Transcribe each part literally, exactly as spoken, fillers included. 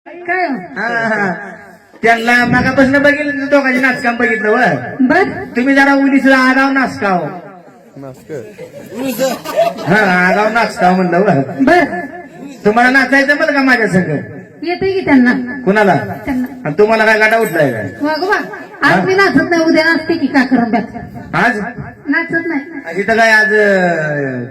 काय हा हा त्यांना मागापासून बघितलं दोघांचे नाचकाम बघितलं व बर तुम्ही जरा उलीच आगाव नाचकाव हा आगाव नाचकाव म्हणलं व बर तुम्हाला नाचायचं बरं का माझ्या संग येते की त्यांना कुणाला त्यांना आणि तुम्हाला काय गाडा उठलाय काय वागोबा आज मी नाचत नाही उद्या नाचते की का करंब्यात आज नाचत नाही इथं काय आज अं,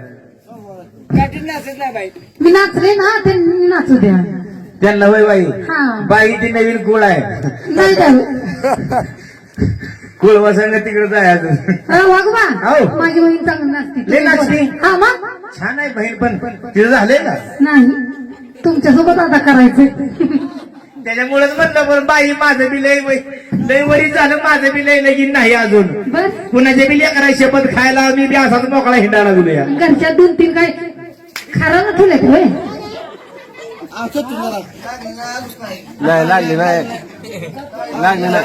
मी नाचले ना त्यांनी नाचू द्या त्यांना वय बाई हा बाई ती नवीन कुळ आहे नाही द्यावं कुळ वसंग तिकडे जायचं वागोबा हो. माझी बहीण चांगली नाचते लय नाचते? हा मग छान आहे बहीण पण तिथं झालंय का नाही तुमच्यासोबत आता करायचं त्याच्यामुळेच म्हणलं पण बाई माझं बी लय वय- लय वरी झालं माझं बी लय लगीन नाही अजून बर कुणाच्या बी लेकरा शपथ खायला मी बी असाच मोकळा हिंडायला लागलो या घरच्या दोन तीन काय खरं ना ठेवले होय नाही लागली नाही लागली नाही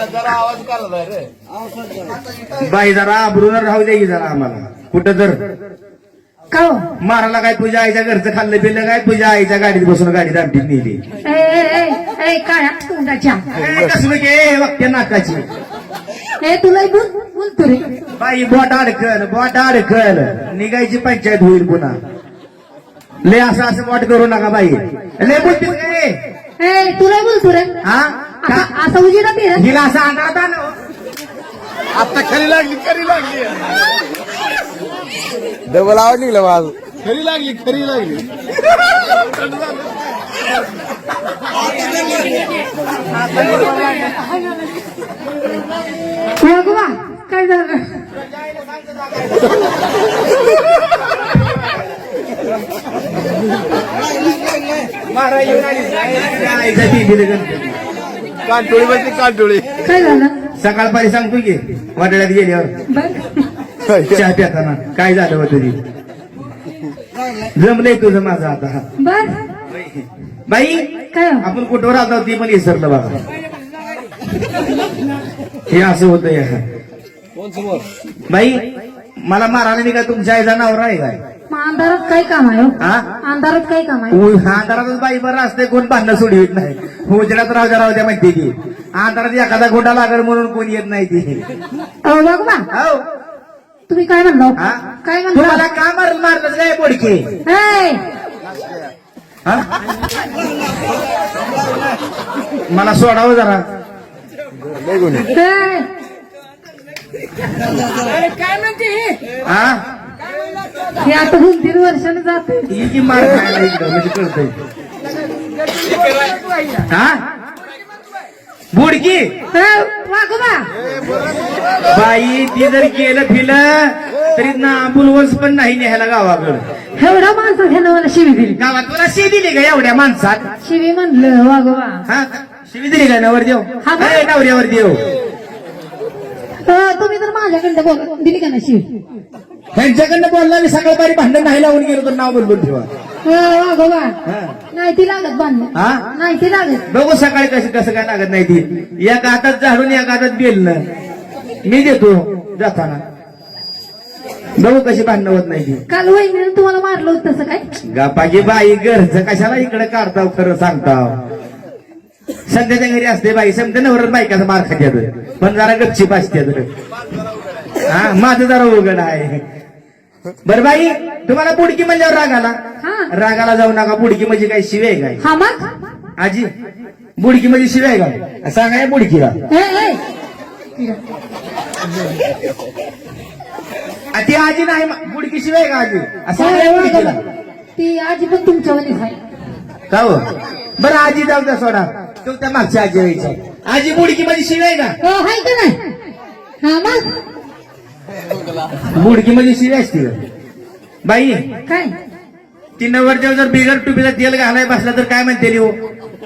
बाई जरा आबरून राहू दे की जरा आम्हाला कुठं तर का हो मारायला काय तुझ्या आईच्या घरचं खाल्लं पिल्लं काय तुझ्या आईच्या गाडीत बसून गाडीत आमटीत नेली ए, ए, ए, ए, काय तोंडाच्या ए, कसलं के वाक्य नाकाची ए तुला बोल बोलतो रे बाई बोट अडकल बोट अडकल निघायची पंचायत होईल पुन्हा लय असं असं बोट करू नका बाई लय बोलतील का रे ए तुला बोलतो रे हा का? असं असं उजेडा ते रे हिला असं अंधारात आलं आता खरी लागली खरी लागली डबल आवाज निघला माझ खरी लागली खरी लागली वागवा काय झालं मारा येऊन आली. आईचा ती दिली गणपती. कांटोळी बसली कांटोळी काय झालं सकाळपारी सांगतो की वाटड्यात गेल्यावर बर चहा प्याताना काय झालं होतं ती जमलंय तुझं माझं आता बर बाई काय हो? आपण कुठवर राहतो ती पण विसरलं बघा हे असं होतं या बाई मला मारायला मी काय तुमच्या आईचा नवरा आहे काय मग अंधारात काय काम आहे हो? हा अंधारात काय काम आहे उ- अंधारातच बाई बरं असते कोण भांडणं सोडवित नाही उजेडात राहू द्या राहू द्या माहिती की अंधारात एखादा गोंडा लागल म्हणून कोण येत नाही ती अहो वागवा हो तुम्ही काय म्हणलो हा? काय तुम्हाला म्हणलो का मारलं मारलं नाही बोडके ए, हा? मला सोडावं जरा लय गुन्हे ए, हा हे आता दोन तीन वर्षाने जाते ही की मार खायला इकडं म्हणजे कळतंय हा बुडकी वागवा बाई ती जर केलं फिलं तरी ना बुलवंस पण नाही न्यायला गावाकडं एवढा माणसं ह्यानं मला शिवी दिली गावात तुला शी दिली का एवढ्या माणसात शिवी म्हणलं वागवा हा शिवी दिली का नवर देव हा का? ए, नवऱ्यावर देव अं, तुम्ही तर माझ्याकडे बोल दिली का नाही शिवी त्यांच्याकडनं बोलला मी सकाळपारी भांडण नाही लावून गेलो तर नाव बोलून ठेवा अं, वागवा हा. नाही ती लागत बांधणं हा नाही ती लागत बघू सकाळी कसं कसं काय लागत नाही ती एका हातात झाडून एका हातात बेलणं मी देतो जाताना बघू कशी भांडणं होत नाही ती काल वहिनीनं तुम्हाला मारलं होतं तसं काय गापागी बाई घरचं कशाला इकडे काढताव खरं सांगताव संध्याच्या घरी असते बाई समजा नवरच बायकाचा मार खात्यात पण जरा गपची पाचत्यात हा माझं जरा उघड आहे बर बाई तुम्हाला बुडकी म्हणल्यावर राग आला हा रागाला जाऊ नका बुडकी म्हणजे काय शिवे आहे काय हा मग आजी बुडकी म्हणजे शिवे आहे का सांगा या बुडकीला ए, ए. आ, ती आजी नाही बुडकी शिवे आहे का आजी असं ए, सांगा या वागवा. बुडकीला ती आजी पण तुमच्यावानीच आहे का हो बरं आजी जाऊ द्या सोडा तो त्या मागच्या आजी व्हायचा आजी बुडकी म्हणजे शिवे आहे का हो हाय का नाही हा मग बुडकी म्हणजे शिवे असते का? बाई काय ती नवरदेव जर बिगर टुपीला तेल घालाय बसला तर काय म्हणते हो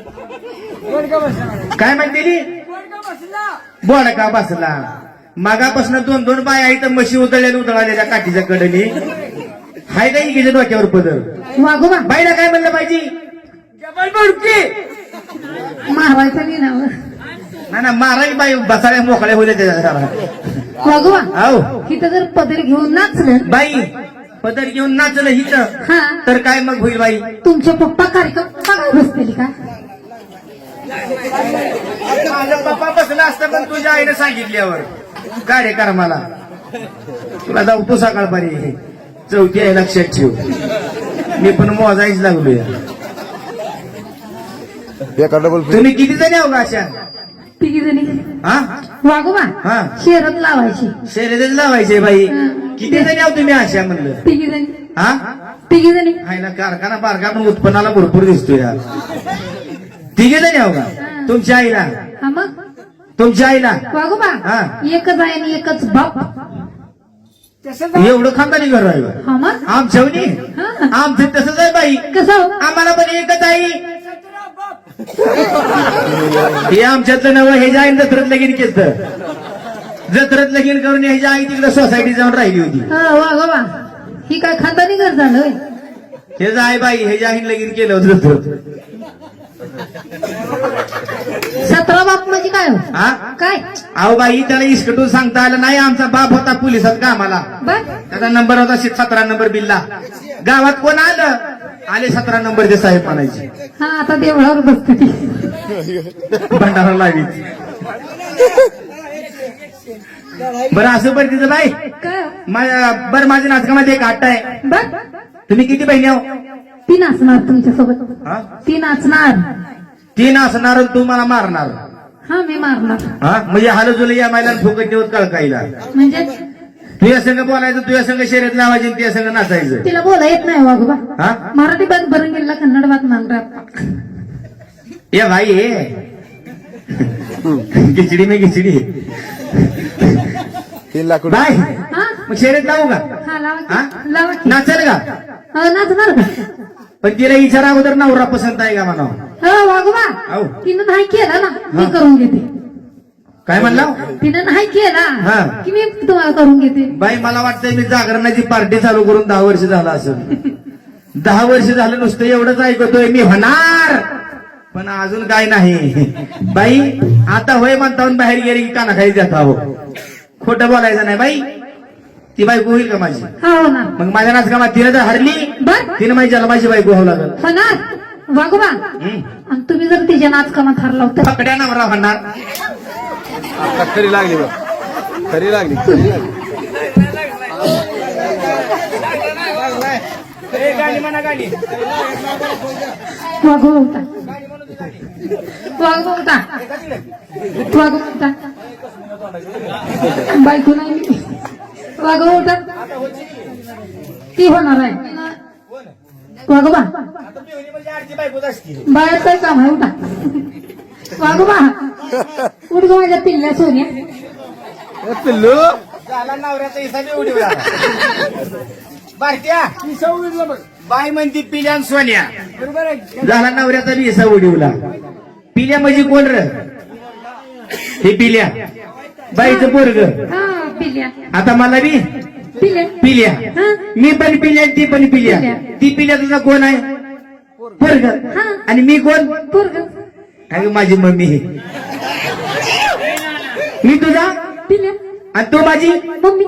काय म्हणते बोडका बसला मागापासून दोन दोन बाय आहे तर म्हशी उतळल्या उतळाल्या काठीच्या कडनी हाय का इकडे डोक्यावर पदर वागोबा बाईला काय म्हणलं पाहिजे बुडकी मारवायचं नाही ना ना ना माराई बाई बसाड्या मोकळ्या होत्या त्याच्या वागोबा हो इथं जर पदर घेऊन नाचलं बाई पदर घेऊन नाचलं हिथं हा तर काय मग होईल बाई तुमचे पप्पा कार्यक्रम बघायला बसतील का पण तुझ्या आईने सांगितल्यावर कार्यक्रमाला तुला जाऊ तू सकाळपारी चौथी आहे लक्षात ठेव. मी पण मोजायच लागलोय. एका डबल तुम्ही किती जणी आहो का अशा? तिघी जणी हा वागोबा हा शेरत लावायची शर्यतच लावायचे बाई. हं. किती जणी आहो तुम्ही अशा म्हणलं? तिघी जणी हा तिघी जणी आईला कारखाना बारका पण उत्पन्नाला भरपूर दिसतो यार. तिघे जणी आहो का? तुमच्या आईला हा मग तुमच्या आईला वागोबा हा. एकच आहे आणि एकच बाप. एवढं खानदानी घर आहे बा. हा मग आमच्यावनी हा. आमचं तसंच आहे बाई. कसं हो? आम्हाला पण एकच आई. हे आमच्यातलं नवं ह्याच्या आईने जत्रेत लगीन केलं. जत्रेत लगीन करून ह्याच्या आई तिकडे सोसायटी जाऊन राहिली होती. हा वागोबा ही काय खानदानी घर झालं होय? ह्याचं आई बाई ह्याच्या आईने लगीन केलं होतं जत्रेत. सतरा बाप म्हणजे काय हो? हा काय अहो बाई त्याला इस्कटून सांगता आलं नाही. आमचा बाप होता पोलिसात कामाला. बर त्याचा नंबर होता सतरा नंबर बिल्ला. गावात कोण आलं आले सतरा नंबरचे साहेब म्हणायचे. हा आता देवळावर बसते ती. भंडारा लावी. बरं असं बरं तिचं बाई काय हो? माझ्या बरं माझ्या नाटकामध्ये एक आट्टा आहे. बर तुम्ही किती बहिणी आहो? ती नाचणार तुमच्यासोबत. हा? ती नाचणार. ती नाचणार आणि तू मला मारणार. हा मी मारणार. हा म्हणजे हाल जुल या महिला फुकट नेऊन कळकाईला. म्हणजे तुझ्या संघ बोलायचं तुझ्या संघ शर्यत लावायची आणि तुझ्या संघ नाचायचं. तिला बोला येत नाही वागोबा. हा मराठी बात बरं गेला कन्नड बात मांगरा. ये भाई ये खिचडी में खिचडी तीन लाख रुपये बाय. हा मग शर्यत लावू का? हा लावा हा? की. लावा की. नाचेल का? हा, नाचणार का? पण तिला विचारा अगोदर नवरा पसंत आहे का म्हणा. हा वागोबा हो. तिनं नाही केला ना मी हा. करून घेते. काय म्हणला तिनं नाही केला हा. की मी तुम्हाला करून घेते. बाई मला वाटतंय मी जागरणाची पार्टी चालू करून दहा वर्ष झालं असेल. दहा वर्ष झालं नुसतं एवढंच ऐकतोय मी होणार पण अजून काय नाही. बाई आता होय म्हणता बाहेर गेली की कानाखाली जात आहो. खोटं बोलायचं नाही बाई. ती बायको होईल का माझी? हा हो ना मग माझ्या नाचकामात तिने जर हरली बर तिने माझी जन्माची बायको व्हावं लागल. होणार वागोबा. हम्म. आणि तुम्ही जर तिच्या नाचकामात हरला होता पकड्या नवरा होणार. आता खरी लागली बा खरी लागली खरी लागली वागो होता वागो होता वागो होता बायको नाही मी. वागो होता ती होणार आहे वागोबा. बाहेर काय काम आहे उठा. वागोबा उठ गो माझ्या पिल्ल्या सोन्या. ए, पिल्लू झाला नवऱ्याचा हिसाब उडी भारत्या बाई म्हणती पिल्या आणि सोन्या. झाला नवऱ्याचा बी हिसाब उडीवला. पिल्या म्हणजे कोण र? हे पिल्या बाईचं पोरग. हा पिल्ल्या आता मला बी पिल्ल्या पिल्या. हा मी पण पिल्या ती पण पिल्या. पिल्या. ती पिल्या तुझा कोण आहे? पोरग. हा. आणि मी कोण? पोरग अगं माझी मम्मी. मी तुझा पिल्ल्या आणि तू माझी मम्मी.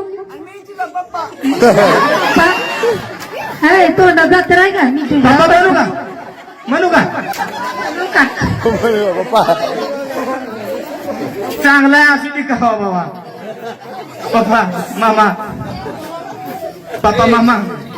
पप्पा. हाय तोंडा जात आहे का मी तुझ्या पप्पा म्हणू का? म्हणू का? म्हणू का? पप्पा चांगला आहे असू दे का हो बाबा. पप्पा मामा पप्पा मामा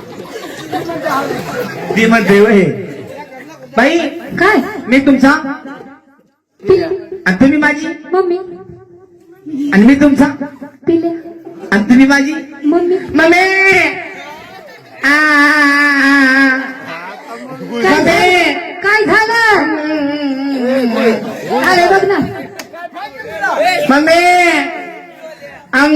ती म्हणते वय बाई काय मी तुमचा पिल्ल्या आणि तुम्ही माझी मम्मी आणि मी तुमचा पिल्ल्या आणि तुम्ही माझी मम्मी. मम्मी आ, काय मम्मी. झालं? काय झालं अरे बघ ना मम्मी अंग.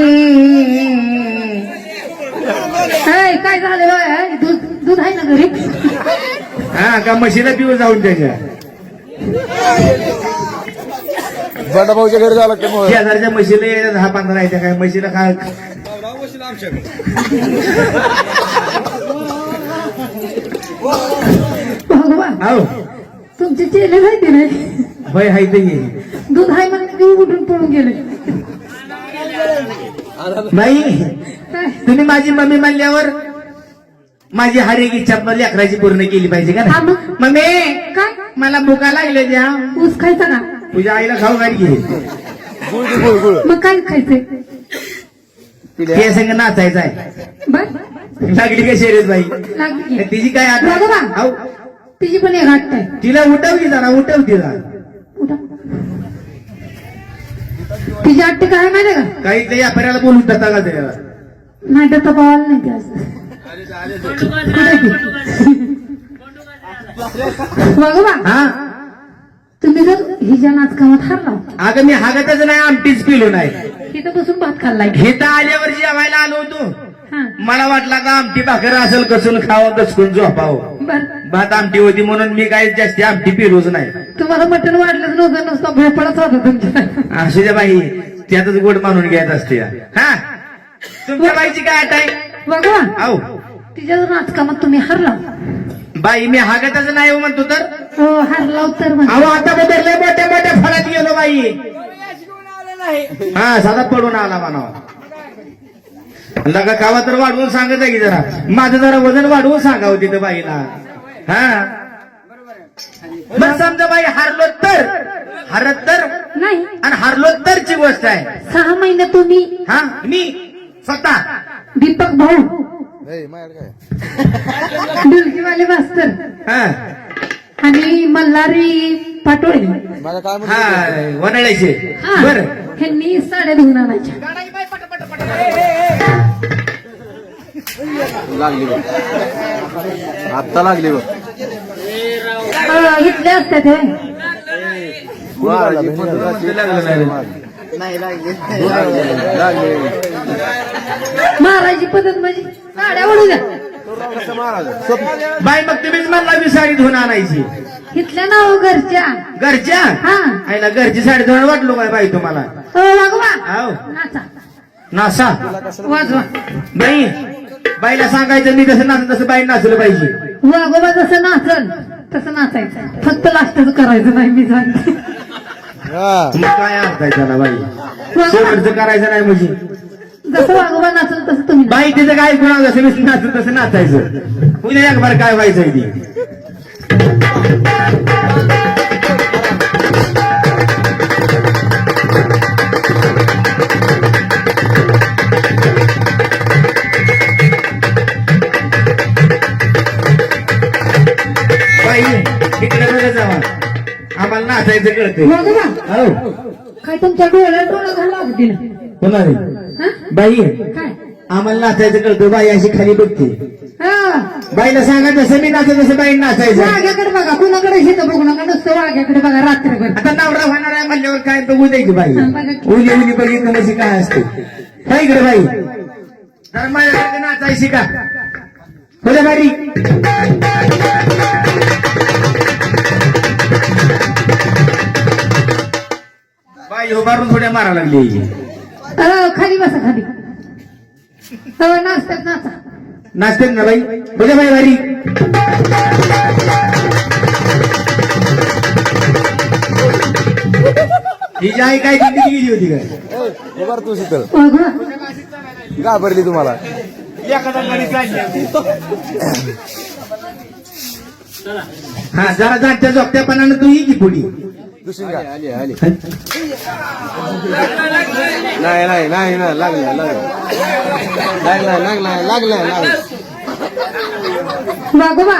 हाय काय झालं बा? हाय, दूध दूध आहे ना घरी. हा का म्हशीला पिऊ जाऊन त्याच्या बंडा भाऊच्या घरी जावं लागतं मग शेजारच्या म्हशीला यायला दहा पंधरा येत्या काय म्हशीला काय भगवान हो तुमचे चेले माहिती नाही होय हाय ते दूध आहे म्हणून घेऊन उठून पळून गेले. बाई काय तुम्ही माझी मम्मी म्हणल्यावर माझी हर एक इच्छा आपल्या लेकराची पूर्ण केली पाहिजे का हा ना? मग. मम्मी काय मला भुका लागले द्या. ऊस खायचा का? तुझ्या आईला खाऊ घाल घे. गुळ दे, गुळ गुळ मग काय खायचंय पिल्या ते संग नाचायचं आहे बर लागली का शर्यत बाई लागली तिची काय आता बघा. आऊ, तिची पण एक हट्ट आहे तिला उठवली जरा उठव तिला उठा. तिची हट्ट काय माहिती का काही ते व्यापाऱ्याला बोलून टाका का त्याला नाही तर तपावाला नाही ती असं बघा हा तुम्ही जर हिच्या नाचकामात हारला अगं मी हागतच नाही आमटीच पिलो नाही तिथं बसून भात खाल्लाय इथं आल्यावर जेवायला आलो होतो हा मला वाटला का आमटी भाकर असेल कसून खावं कसून झोपावं बर भात आमटी होती म्हणून मी काही जास्ती आमटी पिलोच नाही तुम्हाला मटण वाढलंच नव्हतं नुसतं भोपळाच होता तुमच्या असू द्या बाई त्यातच गोड मानून घ्यायचं असते हा तुमच्या बाईची काय आठ आहे बघा आहो तिच्या जर नाचकामात तुम्ही हारला बाई मी हागतच नाही हो म्हणतो तर हो हारला तर अहो म्हणजे आता बदलले मोठ्या मोठ्या फळात गेलो बाई हा साधा पडून आला म्हणावा लगा कावा तर वाढवून सांगत आहे की जरा माझं जरा वजन वाढवून सांगावं तिथं बाईला हा मग समजा बाई हारलो तर हारत तर नाही आणि हारलो तरची गोष्ट आहे सहा महिने तुम्ही हा मी स्वतः दीपक भाऊ ए, माझ्याकडे काय डुलकीवाले मास्तर हा आणि मल्हारी पाटोळे माझं काय म्हणतो हा वनळ्याचे हा बर ह्यांनी साड्या धुवून आणायच्या लागली बघ आत्ता लागली बघ अं, इथले असतात हे मारायची पद्धत नाही लागली मारायची पद्धत म्हणजे साड्या ओढू द्या कसं मारायचं बाई मग तुम्हीच म्हणला मी साडी धुवून आणायची इथल्या नाव घरच्या घरच्या हा आईला घरची साडी धुवून वाटलो काय बाई तुम्हाला हो वागवा आहो नाचा नासा वाजवा बाई बाईला सांगायचं मी कसं नाचत तसं बाई नाचलं पाहिजे वागोबा जसं नाचल तसं नाचायचं फक्त लास्टच करायचं नाही मी सांगते हा मग काय असताय त्याला बाई वागोबा शेवटचं करायचं नाही म्हणजे जसं वागोबा नाचल तसं तुम्ही बाई तिचं काय गुन्हा जसं मी नाचत तसं नाचायचं उद्या एक बार काय व्हायचंय ती बाई इकडे बघा जावा आम्हाला नाचायचं कळतंय वागोबा हो काय तुमच्या डोळ्यात डोळा घाला होती होणार ना बाई काय आम्हाला नाचायचं कळतं बाई अशी खाली बघते हा बाईला सांगा जसं मी नाचत तसं बाई नाचायचं वाघ्याकडे बघा कुणाकडे शेत बघू नका नुसतं वाघ्याकडे बघा रात्रभर आता नवरा होणार आहे म्हणल्यावर काय बघू द्यायची बाई हा, बघा की. उली उली बघितलं म्हणजे काय असते काय इकडे बाई तर माझ्या नाचायची का बोला बारी बाई उभारून थोड्या मारा लागली अं, खाली बसा खाली हो नाचतात नाचा नाचते ना बाई बोला बाई बारी हिची आई काय किती गेली होती काय ए, उभार तू शीतल वाघोबा घाबरली तुम्हाला हा जरा जाणत्या जोगत्यापणानं तू ही की पुढी दुसरी का आली आली नाही नाही नाही ना लागलं लागलं लागलं लागलं लागलं लागलं वाघोबा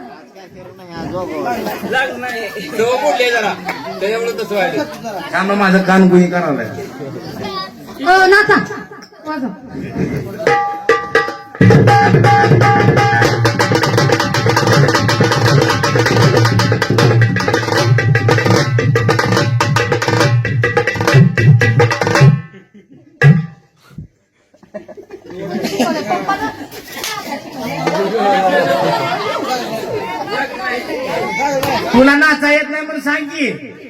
का मग माझं कान गुही करावं हो नाचा वाजव तुला नाचा येत नाही म्हणून सांग की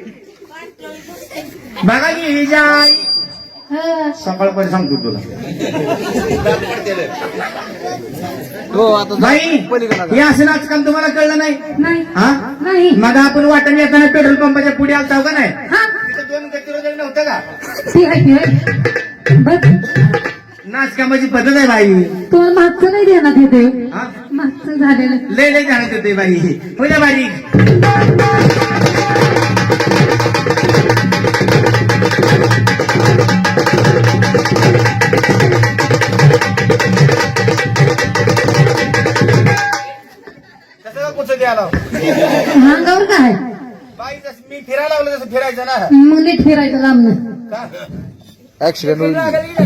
बघा की ही जाय हा. सकाळपर्यंत सांगतो तुला हो आता बाई पलीकडे हे असं नाचकाम तुम्हाला कळलं नाही नाही हा नाही मग आपण वाटण येताना पेट्रोल पंपाच्या पुढे आलता का नाही हा तिथं दोन गतिरोधक नव्हतं का ती आहे ती आहे बस नाचकामाची पद्धत आहे बाई तुम्हाला मागचं नाही देण्यात येते हा मागचं झालेलं लय लय जाणत होते बाई होत्या बारीक बाई जसं मी फिरायला लागलो तसं फिरायचं ना मग नीट फिरायचं लांबनं. का? ऍक्सिडेंट होईल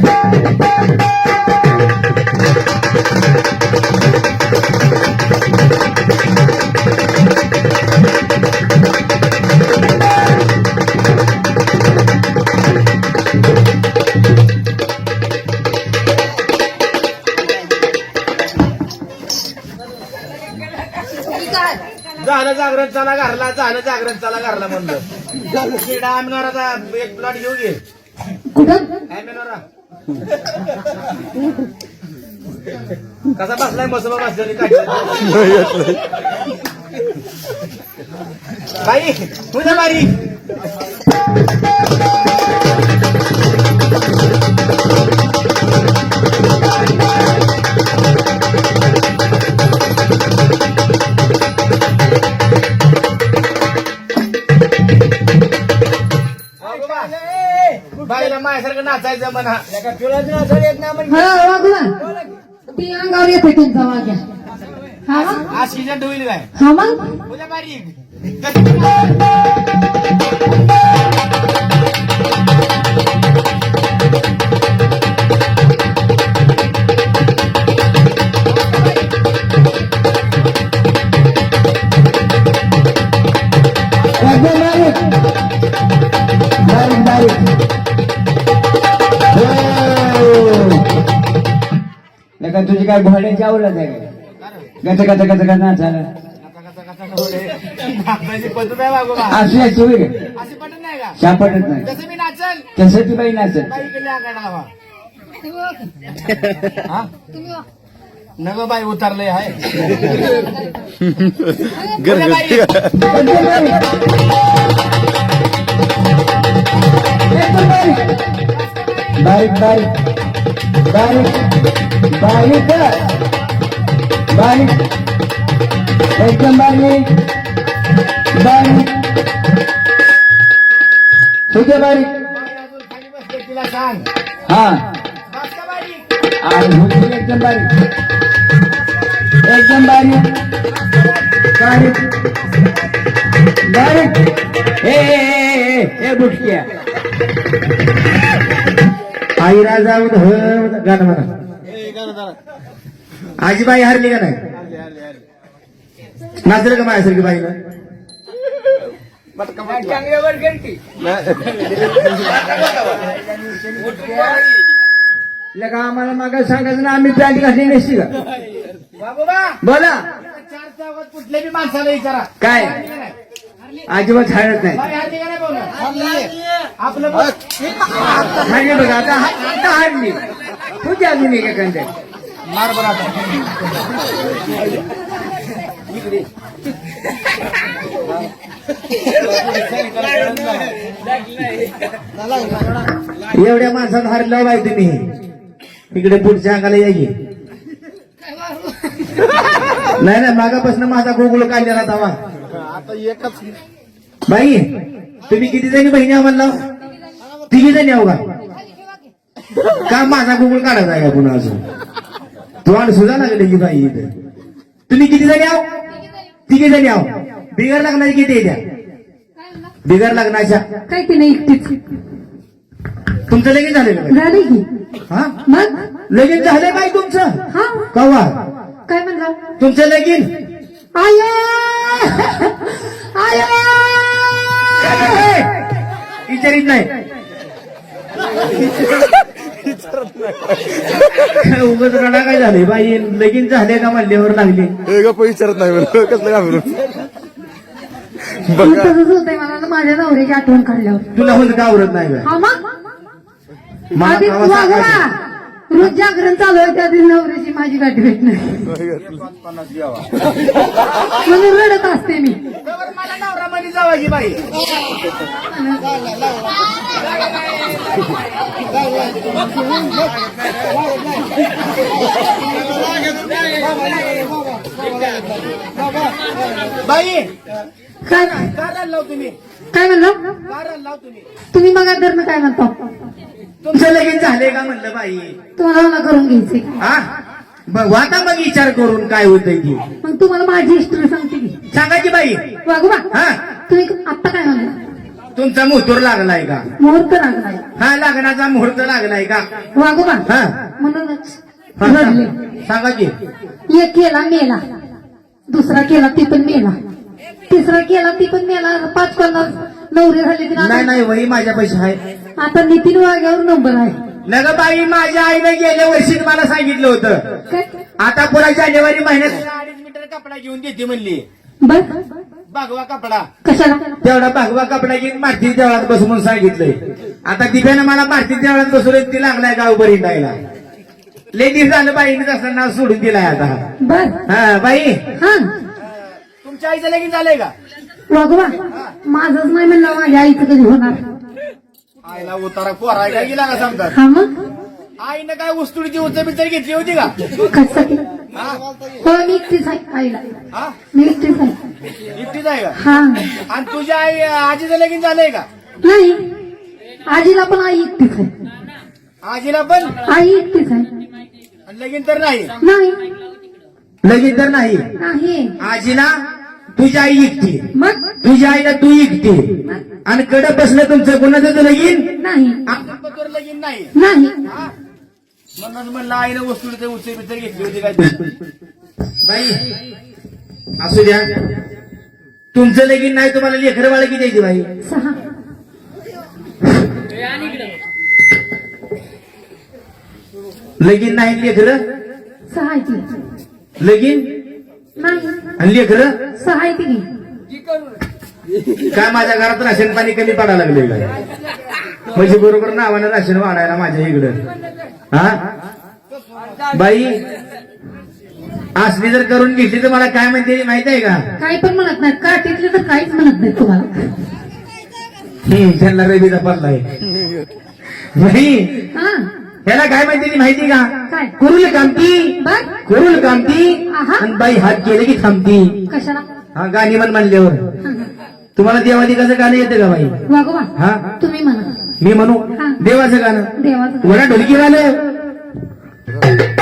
झालं जागरण चला घरला झालं जागरण चला घरला म्हणलं आमनाराचा एक प्लॉट घेऊ घे कुठं आमनारा कसा बसलाय मसोबा बसल्याने काय बाई तुझ्या बारी बाईला माझ्यासारखं नाचायचं म्हणा तुला नाचायला येत ना म्हणजे हा वागवा ती अंगावर येते तुमचा वाग्या. हा मग आज सीजन होईल काय हा मग तुझ्या बारी बारीक बारीक नका तुझी काय घोड्याची आवडत आहे गच गच गच गच नाचायला पद्धत आहे बाबा अशी याची होईल अशी पटत नाही का सापडत नाही तसं मी नाचल तसं ती बाई नाचत बाई केली आगाडा हा नग बाई उतरलंय आहे घरगुती बारीक बारीक बारीक बारीक बारीक एकदम बारीक बारीक तुझे बारीक खाली बसले तिला सांग हा बस का बाई आणि हुजूर एकदम बारीक एकदम बारीक बारीक बारीक ए ए ए ए बुटक्या आई राजा गाणं म्हणा आजीबाई हरली का नाही नाचलं का माझ्यासारखी बाईनं लगा आम्हाला मागा सांगायचं ना आम्ही पॅन्ट घातली नसती का बोला चार चौकात कुठल्या बी माणसाला विचारा काय अजिबात हाडत नाही बाई हरली का नाही बोला आपलं बघ. हाडली बघा आता आता हाडली तुझी अजून एक एखाद्या मार बरं आता एवढ्या माणसात हारलं बाई तुम्ही इकडे पुढच्या अंगाला यायची नाही नाही मागापासून माझा गोकुळ काढलेला तवा आता एकच बाई तुम्ही किती जणी बहिणी आम्हाला तिघी जणी आहो का का माझा गोकुळ काढायचा आहे का पुन्हा अजून तोंड सुद्धा लागले की बाई इथे तुम्ही किती जणी आहो तिघी जणी आहो बिगर लग्नाची किती येत्या बिगर लग्नाच्या काय ती नाही एकटीच तुमचं लगीन झालेलं बाई? झाली की हा मग लगीन झालंय बाई तुमचं हा कवा काय म्हणला तुमचं लगीन आय आय विचारित नाही उगाच रडा काय झाले बाई लगीन झाले का म्हणल्यावर लागली हे गप्प विचारत नाही म्हणून कसलं का म्हणून बघा तसंच होतंय मला ना माझ्या नवऱ्याची आठवण काढल्यावर तुला होत का आवडत नाही का हा मग मला आधी कावा वागवा सांगायचं. रोज जागरण चालू आहे त्या दिवशी नवऱ्याची माझी गाठ भेट नाही म्हणून रडत असते मी मला नवरामध्ये जावायची बाई बाई काय काय लाव तुम्ही काय म्हणलं काय लाव तुम्ही तुम्ही मग धर्म काय म्हणता तुमचं लगीन झाले का म्हणलं बाई तुम्हाला मला करून घ्यायचंय हा बघ आता मग विचार करून काय होतंय की मग तुम्हाला माझी हिस्ट्री सांगते की सांगायची बाई वागवा हा तुम्ही आता काय म्हणला? तुमचा मुहूर्त लागलाय का? मुहूर्त लागलाय. हा लग्नाचा मुहूर्त लागलाय का? वागोबा हा म्हणूनच हा, रडले. सांगा की. एक केला मेला, दुसरा केला ती पण मेला, तिसरा केला ती पण मेला, पाच पन्नास नवरे झाले की नाही आता- नाही वही माझ्या पैसे आहे. आता नितीन वाघ्यावर नंबर आहे. न ग बाई माझ्या आईने गेल्या वर्षी मला सांगितलं होतं काय आता पुन्हा जानेवारी महिन्यात अडीच मीटर कपडा घेऊन देते म्हणली. बर भागवा कपडा कशाला? तेवढा भागवा कपडा घेऊन मारती देवळात बस म्हणून सांगितलंय. आता दिव्यानं मला मारती देवळात बसवलं ती लागलाय गाव बरी जायला. लेडीज झालं बाईने तसं नाव सोडून दिलाय आता. बर हा बाई हा तुमच्या आईचं लगीन झालंय का? वागोबा माझंच नाही म्हणलं, माझ्या आईचं कधी होणार? आईला उतारा पोराय काय गेला का समजा. हा मग आईनं काय उस्तुडीची उचल घेतली होती का? कशासाठी? हा? हो मी एकटीच आहे आईला, हा? मी एकटीच आहे. एकटीच आहे का? हा आणि तुझ्या आई आजीचं लगीन झालंय का? नाही, आजीला पण आई एकटीच आहे. आजीला पण आई एकटीच आहे. आणि लगीन तर नाही. नाही लगीन तर नाही. नाही आजीला तुझ्या आई एकटी, मग तुझ्या आईला तू एकटी, आणि कडे बसलं तुमचं कोणाचं लगीन? नाही आपण लगीन नाही. नाही हा? म्हणून म्हणलं आईनं वस्तूचं उचल बिचल घेतली होती काय तू? बाई असू द्या, तुमचं लगीन नाही तुम्हाला लेकरं बाळ किती द्यायची बाई? सहा. लगीन नाही लेकरं, सहा आहे ती. लगीन नाही आणि लेकरं. सहा आहे ती. काय माझ्या घरात राशन पाणी कमी पडायला लागले काय? म्हणजे बरोबर नावानं राशन वाढायला माझ्या इकडं. हा बाई असली जर करून घेतली तर मला काय म्हणते माहित आहे का? काही पण म्हणत नाही, काठीतले तर काहीच म्हणत नाही तुम्हाला. हम्म, त्यांना रवीचा पडलाय. बाई हा ह्याला काय माहिती माहिती का? काय? कुरुल कामती, बर कुरुल कामती, आहा. आणि बाई हात केले की थांबती. कशाला? हा गाणी म्हण म्हणल्यावर तुम्हाला देवादी कसं गाणं येतं का बाई? वागोबा हा तुम्ही म्हणा. मी म्हणू हा. देवाचं गाणं. देवाचं वडा ढोलकी गाणं.